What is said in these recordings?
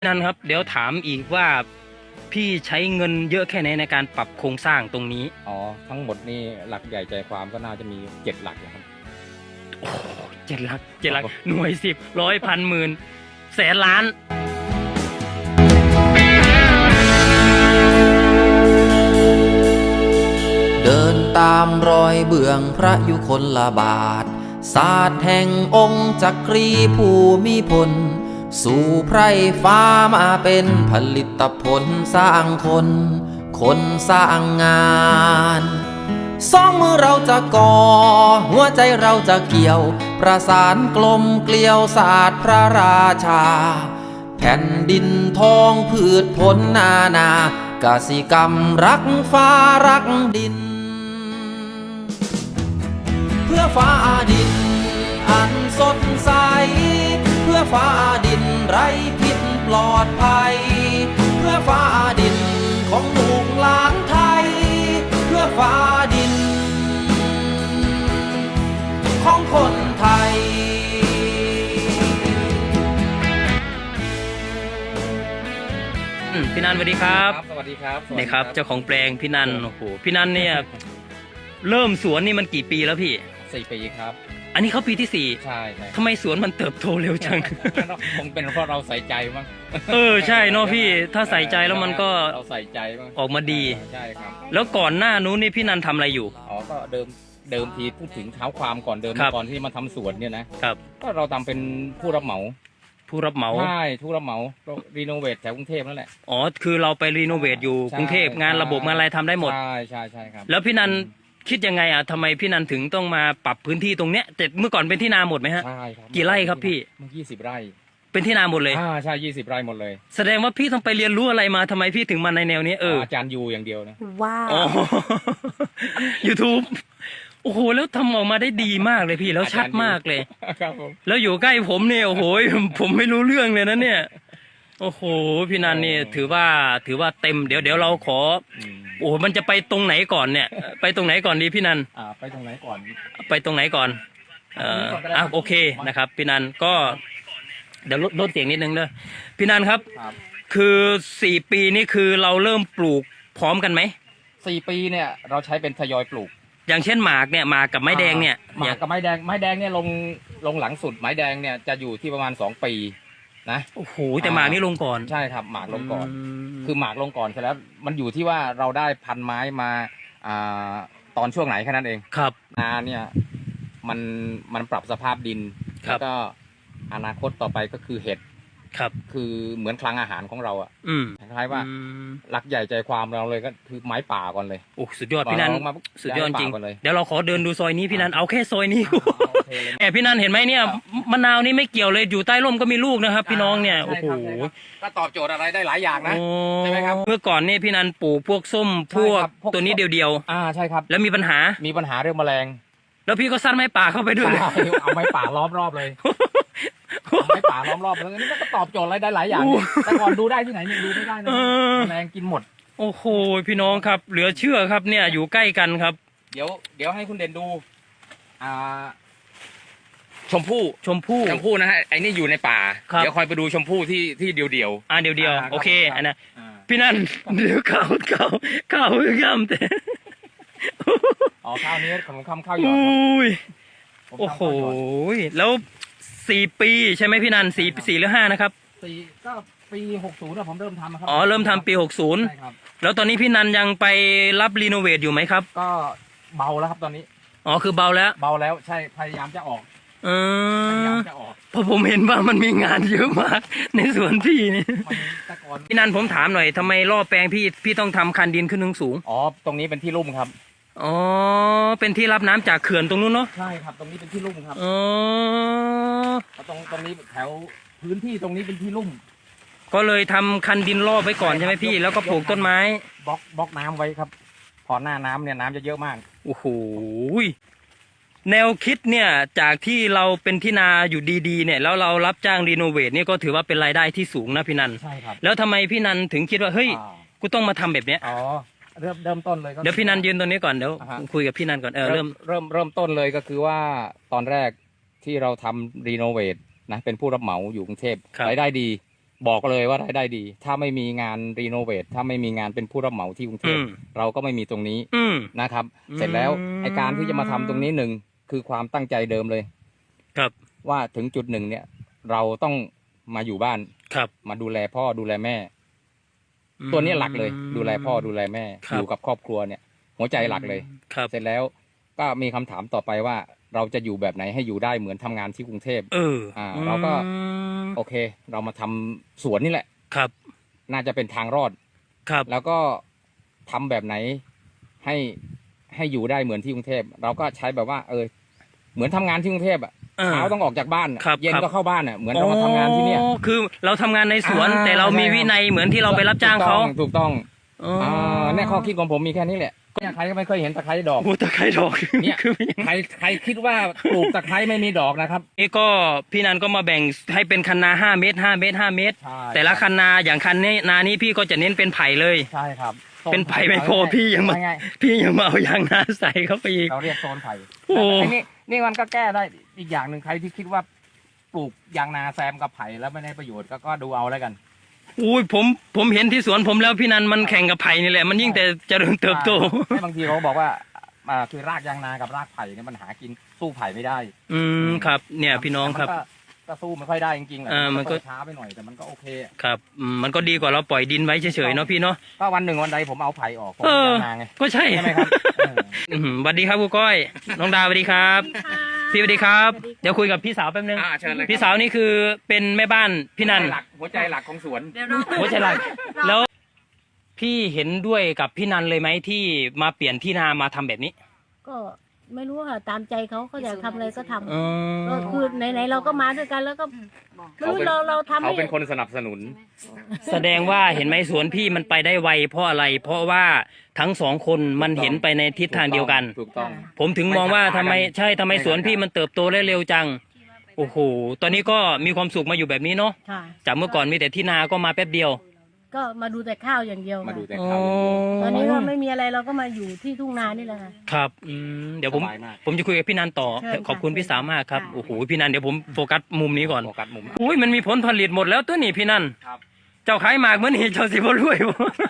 นั่นครับเดี๋ยวถามอีกว่าพี่ใช้เงินเยอะแค่ไหนในการปรับโครงสร้างตรงนี้อ๋อทั้งหมดนี่หลักใหญ่ใจความก็น่าจะมี7 หลักนะครับโอ้7 หลักหน่วย10ร้อยพันหมื่นแสนล้านเดินตามรอยเบื้องพระยุคลบาทศาสตร์แห่งองค์จักรีภูมิพลสู่ไพร่ฟ้ามาเป็นผลิตผลสร้างคนสร้างงานสองมือเราจะก่อหัวใจเราจะเกี่ยวประสานกลมเกลียวศาสตร์พระราชาแผ่นดินทองพืชผลนากสิกรรมรักฟ้ารักดินเพื่อฟ้าดินอันสดใสเพื่อฟ้าดินไร้พิษปลอดภัยเพื่อฟ้าดินของลูกหลานไทยเพื่อฟ้าดินของคนไทยพี่นันสวัสดีครับสวัสดีครับนี่ครับเจ้าของแปลงพี่นันโอ้โหพี่นันเนี่ยเริ่มสวนนี่มันกี่ปีแล้วพี่ 4 ปีครับอันนี้เขาปีที่4 ใช่ทำไมสวนมันเติบโตเร็วจังคงเป็นเพราะเราใส่ใจมั้งใช่เนาะพี่ถ้าใส่ใจแล้วมันก็เราใส่ใจมั้งออกมาดีใช่ครับแล้วก่อนหน้านู้นนี่พี่นันทำอะไรอยู่อ๋อก็เดิมทีพูดถึงเท้าความก่อนก่อนที่มาทำสวนเนี่ยนะครับก็เราทำเป็นผู้รับเหมาใช่ผู้รับเหมารีโนเวทแถวกรุงเทพนั่นแหละอ๋อคือเราไปรีโนเวทอยู่กรุงเทพงานระบบงานอะไรทำได้หมดใช่ครับแล้วพี่นันคิดยังไงทำไมพี่นันถึงต้องมาปรับพื้นที่ตรงเนี้ยแต่เมื่อก่อนเป็นที่นาหมดไหมฮะใช่ครับกี่ไร่ครับพี่มัน20 ไร่เป็นที่นาหมดเลยใช่20 ไร่หมดเลยแสดงว่าพี่ต้องไปเรียนรู้อะไรมาทำไมพี่ถึงมาในแนวนี้อาจารย์ยูอย่างเดียวนะว้าวYouTube โอ้โหแล้วทำออกมาได้ดีมากเลยพี่แล้วชัดมากเลยครับผมแล้วอยู่ใกล้ผมเนี่ยโอ้โหผมไม่รู้เรื่องเลยนะเนี่ยโอ้โหพี่นันนี่ถือว่าเต็มเดี๋ยวเราขอโอ้มันจะไปตรงไหนก่อนเนี่ยไปตรงไหนก่อนดีพี่นันไปตรงไหนก่อนโอเคนะครับพี่นันก็เดี๋ยวลดเสียงนิดนึงเด้อพี่นันครับคือ4 ปีนี่คือเราเริ่มปลูกพร้อมกันไหม 4 ปีเนี่ยเราใช้เป็นทยอยปลูกอย่างเช่นหมากกับไม้แดงเนี่ยหมากกับไม้แดงเนี่ยลงหลังสุดไม้แดงเนี่ยจะอยู่ที่ประมาณ2 ปีนะโอ้โหแต่หมากนี่ลงก่อนใช่ครับหมากลงก่อนคือหมากลงก่อนเสร็จแล้วมันอยู่ที่ว่าเราได้พันไม้มาตอนช่วงไหนแค่นั้นเองครับนาเนี่ยมันปรับสภาพดินแล้วก็อนาคตต่อไปก็คือเห็ดครับคือเหมือนคลังอาหารของเราคล้ายๆว่าหลักใหญ่ใจความเราเลยก็คือไม้ป่าก่อนเลยโอ้สุดยอดพี่นันสุดยอดจริงเดี๋ยวเราขอเดินดูซอยนี้พี่นันเอาแค่ซอยนี้แอบพี่นันเห็นไหมเนี่ยมะนาวนี่ไม่เกี่ยวเลยอยู่ใต้ร่มก็มีลูกนะครับพี่น้องเนี่ยโอ้โหก็ตอบโจทย์อะไรได้หลายอย่างนะใช่ไหมครับเมื่อก่อนนี่พี่นันปลูกพวกส้มพวกตัวนี้เดียวใช่ครับแล้วมีปัญหาเรื่องแมลงแล้วพี่ก็ซัดไม้ป่าเข้าไปด้วยเอาไม้ป่าล้อมรอบเลยไม้ป่าล้อมรอบแล้วนี่ก็ตอบโจทย์อะไรได้หลายอย่างแต่ก่อนดูได้ที่ไหนเนี่ยดูไม่ได้นะแมลงกินหมดโอ้โหพี่น้องครับเหลือเชื่อครับเนี่ยอยู่ใกล้กันครับเดี๋ยวให้คุณเด่นดูชมพู่นะฮะไอ้นี่อยู่ในป่าเดี๋ยวคอยไปดูชมพู่ที่เดียวเดียวโอเคอันนะพี่นั่นเดี๋ยวข้าวย่ำแต่ข้าวนี้ของข้าวหยอดโอ้โหแล้ว4 ปีใช่ไหมพี่นัน4หรือ5นะครับ 4ก็ปี60นะผมเริ่มทำครับเริ่มทำปี60ใช่ครับแล้วตอนนี้พี่นันยังไปรับรีโนเวทอยู่ไหมครับก็เบาแล้วครับตอนนี้คือเบาแล้วใช่พยายามจะออกเพราะผมเห็นว่ามันมีงานเยอะมากในสวนพี่นี่พี่นันผมถามหน่อยทำไมรอบแปลงพี่ต้องทำคันดินขึ้นสูงตรงนี้เป็นที่ลุ่มครับเป็นที่รับน้ำจากเขื่อนตรงนู้นเนาะใช่ครับตรงนี้เป็นที่ลุ่มครับตรงนี้แถวพื้นที่ตรงนี้เป็นที่ลุ่มก็เลยทำคันดินรอบไว้ก่อนใช่ไหมพี่แล้วก็ปลูกต้นไม้บล็อกน้ำไว้ครับพอหน้าน้ำเนี่ยน้ำจะเยอะมากโอ้โหแนวคิดเนี่ยจากที่เราเป็นที่นาอยู่ดีๆเนี่ยแล้วเรารับจ้างรีโนเวทเนี่ยก็ถือว่าเป็นรายได้ที่สูงนะพี่นันใช่ครับแล้วทำไมพี่นันถึงคิดว่าเฮ้ยกูต้องมาทำแบบเนี้ยเริ่มต้นเลยเดี๋ยวพี่นันยืนตรงนี้ก่อนเดี๋ยวคุยกับพี่นันก่อนเริ่มต้นเลยก็คือว่าตอนแรกที่เราทำรีโนเวทนะเป็นผู้รับเหมาอยู่กรุงเทพรายได้ดีบอกเลยว่ารายได้ดี ถ้าไม่มีงานรีโนเวทถ้าไม่มีงานเป็นผู้รับเหมาที่กรุงเทพเราก็ไม่มีตรงนี้นะครับ เสร็จแล้วไอการที่จะมาทำตรงนี้หนึ่งคือความตั้งใจเดิมเลยครับว่าถึงจุดหนึ่งเนี่ย เราต้องมาอยู่บ้านครับมาดูแลพ่อดูแลแม่ ตัวนี้หลักเลย ดูแลพ่อดูแลแม่ อยู่กับครอบครัวเนี่ย หัวใจหลักเลยครับเสร็จแล้วก็มีคำถามต่อไปว่า เราจะอยู่แบบไหนให้อยู่ได้เหมือนทำงานที่กรุงเทพเราก็โอเค เรามาทำสวนนี่แหละครับน่าจะเป็นทางรอดครับแล้วก็ทำแบบไหนให้อยู่ได้เหมือนที่กรุงเทพเราก็ใช้แบบว่า เหมือนทำงานที่กรุงเทพอ่ะเช้าต้องออกจากบ้านเย็นก็เข้าบ้านอ่ะเหมือนเรามาทำงานที่เนี่ยคือเราทำงานในสวนแต่เรามีวินัยเหมือนที่เราไปรับจ้างเขาถูกต้องเนี่ยข้อคิดของผมมีแค่นี้แหละเนี่ยใครก็ไม่เคยเห็นตะไคร้ดอกตะไคร้ดอกเนี่ยใครคิดว่าปลูกตะไคร้ไม่มีดอกนะครับนี่ก็พี่นันก็มาแบ่งให้เป็นคันนา5 เมตร5 เมตร5 เมตรแต่ละคันนาอย่างคันนี้นานี้พี่ก็จะเน้นเป็นไผ่เลยใช่ครับเป็นไผ่ไม่พอพี่ยังมาเอายางนาใส่เข้าไปอีกเราเรียกโซนไผ่นี่มันก็แก้ได้อีกอย่างหนึ่งใครที่คิดว่าปลูกยางนาแซมกับไผ่แล้วไม่ได้ประโยชน์ก็ดูเอาแล้วกันอุ้ยผมเห็นที่สวนผมแล้วพี่นันมันแข่งกับไผ่นี่แหละมันยิ่งแต่เจริญเติบโตบางทีเขาบอกว่าคือรากยางนากับรากไผ่เนี่ยมันหากินสู้ไผ่ไม่ได้ครับเนี่ยพี่น้องครับก็สู้ไม่ค่อยได้จริงๆมันก็ช้าไปหน่อยแต่มันก็โอเคครับมันก็ดีกว่าเราปล่อยดินไว้เฉยๆเนาะพี่เนาะก็วันหนึ่งวันใดผมเอาไผ่ออกผมยางนาไงก็ใช่ไหมครับสวัสดีครับครูก้อยน้องดาวสวัสดีครับพี่สวัสดีครับเดี๋ยวคุยกับพี่สาวแป๊บนึงพี่สาวนี่คือเป็นแม่บ้านพี่นันหัวใจหลักของสวนหัวใจหลักแล้วพี่เห็นด้วยกับพี่นันเลยไหมที่มาเปลี่ยนที่นามาทำแบบนี้ก็ไม่รู้ค่ะตามใจเขาอยากทำอะไรก็ทำก็คือไหนๆเราก็มาด้วยกันแล้วก็ไม่รู้เราทำเขาเป็นคนสนับสนุนแสดงว่าเห็นไหมสวนพี่มันไปได้ไวเพราะอะไรเพราะว่าทั้งสองคนมันเห็นไปในทิศทางเดียวกันถูกต้องผมถึงมองว่าทำไมสวนพี่มันเติบโตได้เร็วจังโอ้โหตอนนี้ก็มีความสุขมาอยู่แบบนี้เนาะจากเมื่อก่อนมีแต่ที่นาก็มาแป๊บเดียวก็มาดูแต่ข้าวอย่างเดียวมาดูแต่ข้าวตอนนี้ก็ไม่มีอะไรเราก็มาอยู่ที่ทุ่งนานี่แหละค่ะครับเดี๋ยวผมจะคุยกับพี่นันต่อขอบคุณพี่สาวมากครับโอ้โหพี่นันเดี๋ยวผมโฟกัสมุมนี้ก่อนโฟกัสมุมอุ้ยมันมีผลผลิตหมดแล้วตัวนี้พี่นันเจ้าขายหมากเหมือนนี่เจ้าสิบ่รวย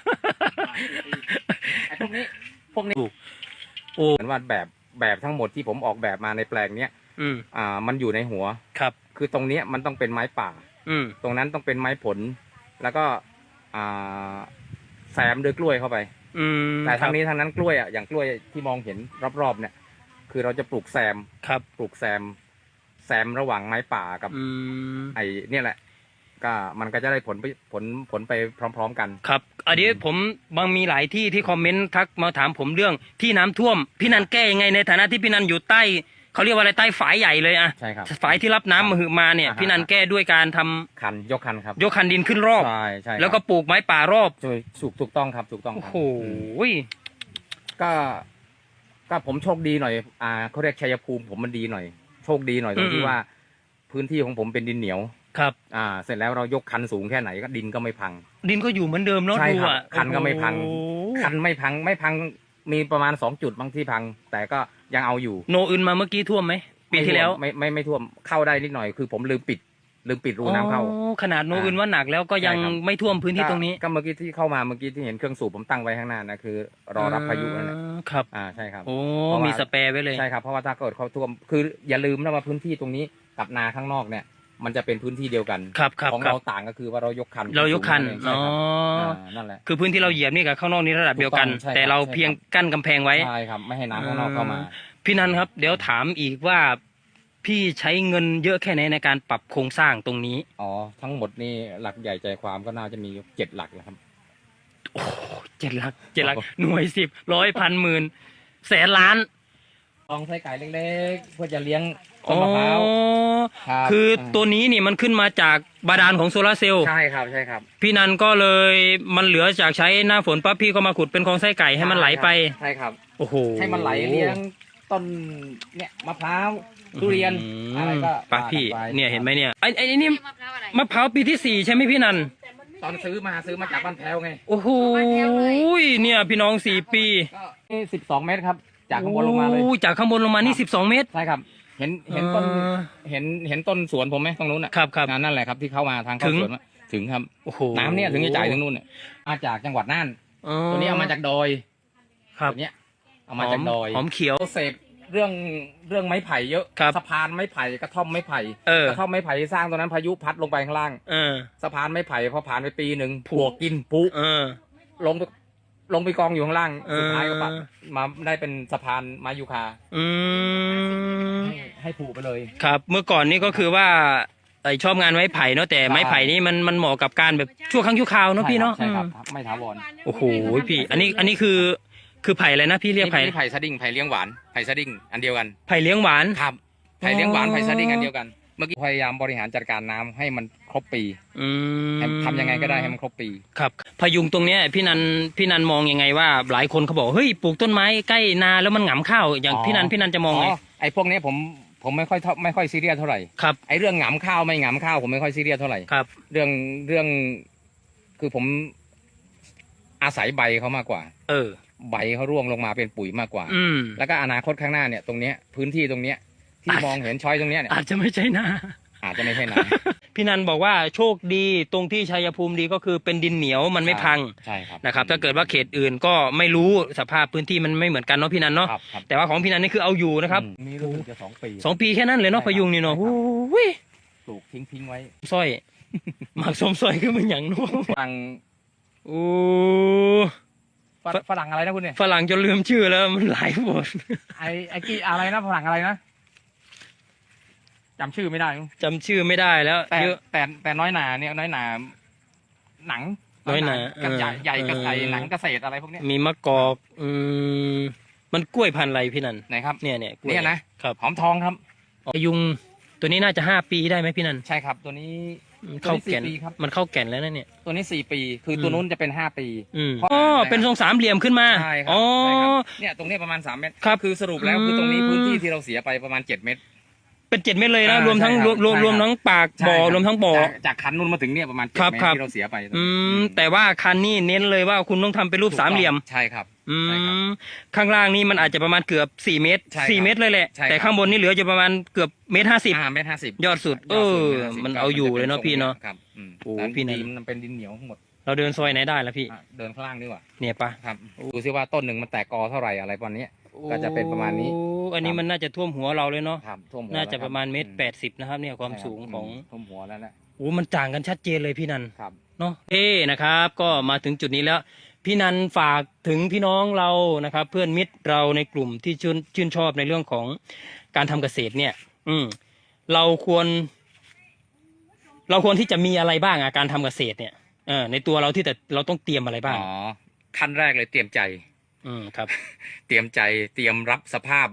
พวกนี้โอ้เหมือนว่าแบบทั้งหมดที่ผมออกแบบมาในแปลงเนี้ยมันอยู่ในหัวครับคือตรงเนี้ยมันต้องเป็นไม้ป่าตรงนั้นต้องเป็นไม้ผลแล้วก็แซมด้วยกล้วยเข้าไปแต่ทางนี้ทางนั้นกล้วยอย่างกล้วยที่มองเห็นรอบๆเนี่ยคือเราจะปลูกแซมปลูกแซมระหว่างไม้ป่ากับไอ้เนี่ยแหละก็มันก็จะได้ผลไปพร้อมๆกันครับอันนี้ผมมีหลายที่คอมเมนต์ทักมาถามผมเรื่องที่น้ำท่วมพี่นันแก้ยังไงในฐานะที่พี่นันอยู่ใต้เขาเรียกว่าอะไรใต้ฝายใหญ่เลยใช่ครับฝายที่รับน้ำมาเนี่ยพี่นันแก้ด้วยการทำยกคันครับยกคันดินขึ้นรอบใช่แล้วก็ปลูกไม้ป่ารอบถูกต้องครับถูกต้องโอ้โหก็ผมโชคดีหน่อยเขาเรียกชัยภูมิผมมันดีหน่อยโชคดีหน่อยตรงที่ว่าพื้นที่ของผมเป็นดินเหนียวครับเสร็จแล้วเรายกคันสูงแค่ไหนก็ดินก็ไม่พังดินก็อยู่เหมือนเดิมเนาะใช่ครับคันก็ไม่พังคันไม่พังมีประมาณ2 จุดบางที่พังแต่ก็ยังเอาอยู่โนอื่นมาเมื่อกี้ท่วมไหมปีที่แล้วไม่ท่วมเข้าได้นิดหน่อยคือผมลืมปิดรูน้ำเข้าขนาดโนอื่นว่าหนักแล้วก็ยังไม่ท่วมพื้นที่ตรงนี้ก็เมื่อกี้ที่เข้ามาเมื่อกี้ที่เห็นเครื่องสูบผมตั้งไว้ข้างหน้านะคือรอรับพายุนั่นแหละครับใช่ครับโอ้มีสเปรย์ไว้เลยใช่ครับเพราะว่าถ้าเกิดเขาท่วมคืออย่าลืมนะว่าพื้นที่ตรงนี้กับนาข้างนอกเนี่ยมันจะเป็นพื้นที่เดียวกันของเราต่างก็คือว่าเรายกคันนั่นแหละคือพื้นที่เราเหยียบนี่กับข้างนอกนี่ระดับเดียวกันแต่เราเพียงกั้นกำแพงไว้ใช่ครับไม่ให้น้ำข้างนอกเข้ามาพี่นันครับเดี๋ยวถามอีกว่าพี่ใช้เงินเยอะแค่ไหนในการปรับโครงสร้างตรงนี้ทั้งหมดนี่หลักใหญ่ใจความก็น่าจะมี7 หลักแล้วครับโอ้7 หลักหน่วย10 100 พันหมื่นแสนล้านลองใส่ไก่เล็กๆเพื่อจะเลี้ยงต้นมะพร้าวคือตัวนี้นี่มันขึ้นมาจากบาดาลของโซลาเซลล์ใช่ครับพี่นันก็เลยมันเหลือจากใช้หน้าฝนปั๊บพี่ก็มาขุดเป็นคลองไส้ไก่ให้มันไหลไปใช่ครับโอ้โหให้มันไหลเลี้ยงต้นเนี่ยมะพร้าวทุเรียนอะไรก็ปะพี่เนี่ยเห็นไหมเนี่ยไอ้นี่มะพร้าวปีที่4ใช่ไหมพี่นันตอนซื้อมาจากบ้านแพ้วไงโอ้โหเนี่ยพี่น้อง4 ปีนี่12 เมตรครับจากข้างบนลงมาเลยจากข้างบนลงมานี่12 เมตรใช่ครับเห็นต้นเห็นต้นสวนผมไหมตรงนู้นครับนั่นแหละครับที่เข้ามาทางเข้าสวนถึงครับโอ้โหน้ำเนี่ยถึงจะจ่ายถึงนู่นเนี่ยมาจากจังหวัดน่านอ๋อตัวนี้เอามาจากดอยครับตัวเนี้ยเอามาจากดอยหอมเขียวเสพเรื่องไม้ไผ่เยอะครับสะพานไม้ไผ่กระท่อมไม้ไผ่ กระท่อมไม้ไผ่ที่สร้างตอนนั้นพายุพัดลงไปข้างล่าง สะพานไม้ไผ่พอผ่านไปปีหนึ่งปลวกกินปุลงไปกองอยู่ข้างล่างสุดท้ายก็มาได้เป็นสะพานไม้ยูคาให้ผูไปเลยครับเมื่อก่อนนี่ก็คือว่าชอบงานไม้ไผ่เนาะแต่ไม้ไผ่นี่มันเหมาะกับการแบบชั่วครั้งชั่วคราวเนาะพี่เนาะใช่ครับไม่ถาวรโอ้โหพี่อันนี้คือไผ่อะไรนะพี่เรียกไผ่นี่ไผ่สดิ้งไผ่เลี้ยงหวานไผ่สดิ้งอันเดียวกันไผ่เลี้ยงหวานครับไผ่เลี้ยงหวานไผ่สดิ้งอันเดียวกันเมื่อกี้พยายามบริหารจัดการน้ำให้มันครบปีทำยังไงก็ได้ให้มันครบปีครับพยุงตรงเนี้ยพี่นันมองยังไงว่าหลายคนเขาบอกเฮ้ยปลูกต้นไม้ใกล้นาแล้วมันหงำข้าวอย่างพี่นันจะมองไงไอ้พวกนี้ผมไม่ค่อยซีเรียสเท่าไหร่ครับไอ้เรื่องหงำข้าวไม่หงำข้าวผมไม่ค่อยซีเรียสเท่าไหร่ครับเรื่องคือผมอาศัยใบเขามากกว่าใบเขาร่วงลงมาเป็นปุ๋ยมากกว่าแล้วก็อนาคตข้างหน้าเนี่ยตรงเนี้ยพื้นที่ตรงเนี้ยที่มองเห็นช้อยตรงเนี้ยอาจจะไม่ใช่นาพี่นันบอกว่าโชคดีตรงที่ชัยภูมิดีก็คือเป็นดินเหนียวมันไม่พังใช่ครับนะครับถ้าเกิดว่าเขตอื่นก็ไม่รู้สภาพพื้นที่มันไม่เหมือนกันเนาะพี่นันเนาะแต่ว่าของพี่นันนี่คือเอาอยู่นะครับมีรู้สึกจะ 2 ปีแค่นั้นเลยเนาะพยุงนี่เนาะปลูกทิ้งไว้สร้อยหมักสมสร้อยคือมันอย่างนู้นฝรั่งฝรั่งอะไรนะคุณเนี่ยฝรั่งจนลืมชื่อแล้วมันหลายบทไอ้กี่อะไรนะฝรั่งอะไรนะจำชื่อไม่ได้แล้วแต่น้อยหนาเนี่ยน้อยหนาหนังน้อยหนาใหญ่กระใสหนังเกษตรอะไรพวกนี้มีมะกอกมันกล้วยพันธุ์อะไรพี่นันไหนครับเนี่ยนะครับหอมทองครับยุงตัวนี้น่าจะ5 ปีได้ไหมพี่นันใช่ครับตัวนี้เข้าแก่นมันเข้าแก่นแล้วนะเนี่ยตัวนี้4 ปีคือตัวนู้นจะเป็น5 ปีเป็นทรง3 เหลี่ยมขึ้นมาใช่ครับเนี่ยตรงนี้ประมาณ3 เมตรครับคือสรุปแล้วคือตรงนี้พื้นที่ที่เราเสียไปประมาณ7 เมตรเป็น7 เมตรเลยนะรวมทั้งปากบ่อรวมทั้งบ่อจากคันนู้นมาถึงเนี่ยประมาณ7 เมตรที่เราเสียไปแต่ว่าคันนี้เน้นเลยว่าคุณต้องทำเป็นรูป3 เหลี่ยมใช่ครับข้างล่างนี่มันอาจจะประมาณเกือบ4 เมตร4 เมตรเลยแหละแต่ข้างบนนี่เหลือจะประมาณเกือบ1.50 เมตรยอดสุดมันเอาอยู่เลยเนาะพี่เนาะครับโอ้พี่นันมันเป็นดินเหนียวทั้งหมดเราเดินซอยไหนได้ล่ะพี่เดินข้างล่างดีกว่าเนี่ยปะครับดูซิว่าต้นหนึ่งมันแตกกอเท่าไหร่อะไรประมาณนี้ก็จะเป็นประมาณนี้อันนี้มันน่าจะท่วมหัวเราเลยเนาะน่าจะประมาณ1.80 นะครับเนี่ยความสูงของท่วมหัวแล้วนะมันต่างกันชัดเจนเลยพี่นันเนาะนะครับก็มาถึงจุดนี้แล้วพี่นันฝากถึงพี่น้องเรานะครับเพื่อนมิตรเราในกลุ่มที่ชื่นชอบในเรื่องของการทำเกษตรเนี่ยเราควรที่จะมีอะไรบ้างการทำเกษตรเนี่ยในตัวเราที่แต่เราต้องเตรียมอะไรบ้างขั้นแรกเลยเตรียมใจครับเตรียมใจเตรียมรับสภาพ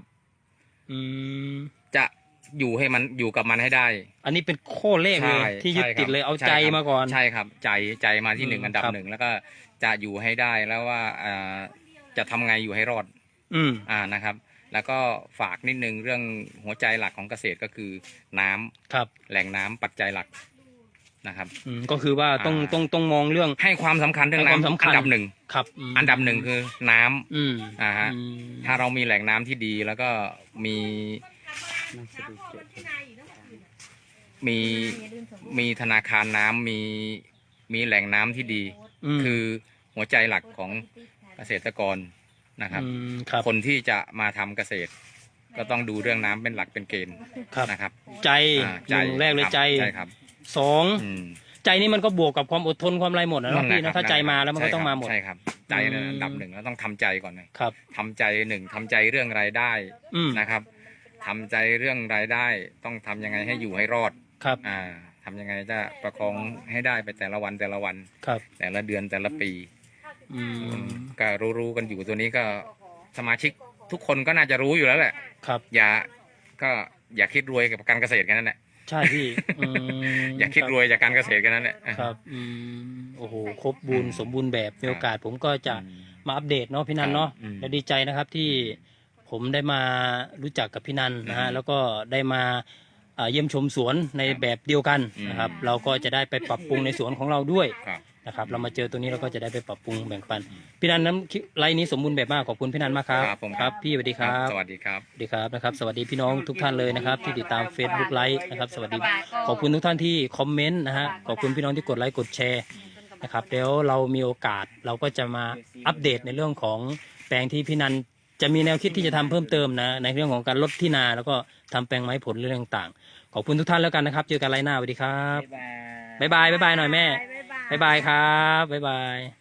จะให้มันอยู่กับมันให้ได้อันนี้เป็นข้อเลขเลยที่ยึดติดเลยเอาใจมาก่อนใช่ครับใจมาที่1 อันดับ 1แล้วก็จะอยู่ให้ได้แล้วว่าจะทำไงอยู่ให้รอดนะครับแล้วก็ฝากนิดนึงเรื่องหัวใจหลักของเกษตรก็คือน้ำครับแหล่งน้ำปัจจัยหลักนะครับก็คือว่าต้องมองเรื่องให้ความสำคัญเรื่องน้ำอันดับ 1 ครับอันดับ 1คือน้ำถ้าเรามีแหล่งน้ำที่ดีแล้วก็มีธนาคารน้ำมีแหล่งน้ำที่ดีคือหัวใจหลักของเกษตรกรนะครับคนที่จะมาทำเกษตรก็ต้องดูเรื่องน้ำเป็นหลักเป็นเกณฑ์นะครับใจแรกเลยใจครับ 2ใจนี่มันก็บวกกับความอดทนความไรหมดนะพี่นะถ้าใจมาแล้วมันก็ต้องมาหมดใช่ครับใจอันดับ 1แล้วต้องทำใจก่อนเลยครับทำใจ1ทำใจเรื่องรายได้นะครับทำใจเรื่องรายได้ต้องทำยังไงให้อยู่ให้รอดครับทำยังไงจะประคองให้ได้ไปแต่ละวันครับแต่ละเดือนแต่ละปีก็รู้กันอยู่ตัวนี้ก็สมาชิกทุกคนก็น่าจะรู้อยู่แล้วแหละครับอย่าคิดรวยกับการเกษตรกันนั่นแหละใช่พี่อย่าคิดรวยจากการเกษตรกันนั่นแหละครับโอ้โหครบบูรณ์สมบูรณ์แบบมีโอกาสผมก็จะมาอัปเดตเนาะพี่นันเนาะและดีใจนะครับที่ผมได้มารู้จักกับพี่นันนะฮะแล้วก็ได้มาเยี่ยมชมสวนในแบบเดียวกันนะครับเราก็จะได้ไปปรับปรุงในสวนของเราด้วยนะครับเรามาเจอตัวนี้เราก็จะได้ไปปรับปรุงแบ่งปันพี่นันน้ำไลน์นี้สมบูรณ์แบบมากขอบคุณพี่นันมากครับครับผมครับพี่สวัสดีครับสวัสดีครับสวัสดีครับนะครับสวัสดีพี่น้องทุกท่านเลยนะครับที่ติดตาม Facebook ไลฟ์นะครับสวัสดีขอบคุณทุกท่านที่คอมเมนต์นะฮะขอบคุณพี่น้องที่กดไลค์กดแชร์นะครับเดี๋ยวเรามีโอกาสเราก็จะมาอัปเดตในเรื่องของแปลงที่พี่นันจะมีแนวคิดที่จะทำเพิ่มเติมนะในเรื่องของการลดที่นาแล้วก็ทำแปลงไม้ผลเรื่องต่างๆขอบคุณทุกท่านแล้วกันนะครับเจอกันไลฟ์หน้าสวัสดีครับบ๊ายบายหน่อยแม่บ๊ายบายครับบ๊ายบาย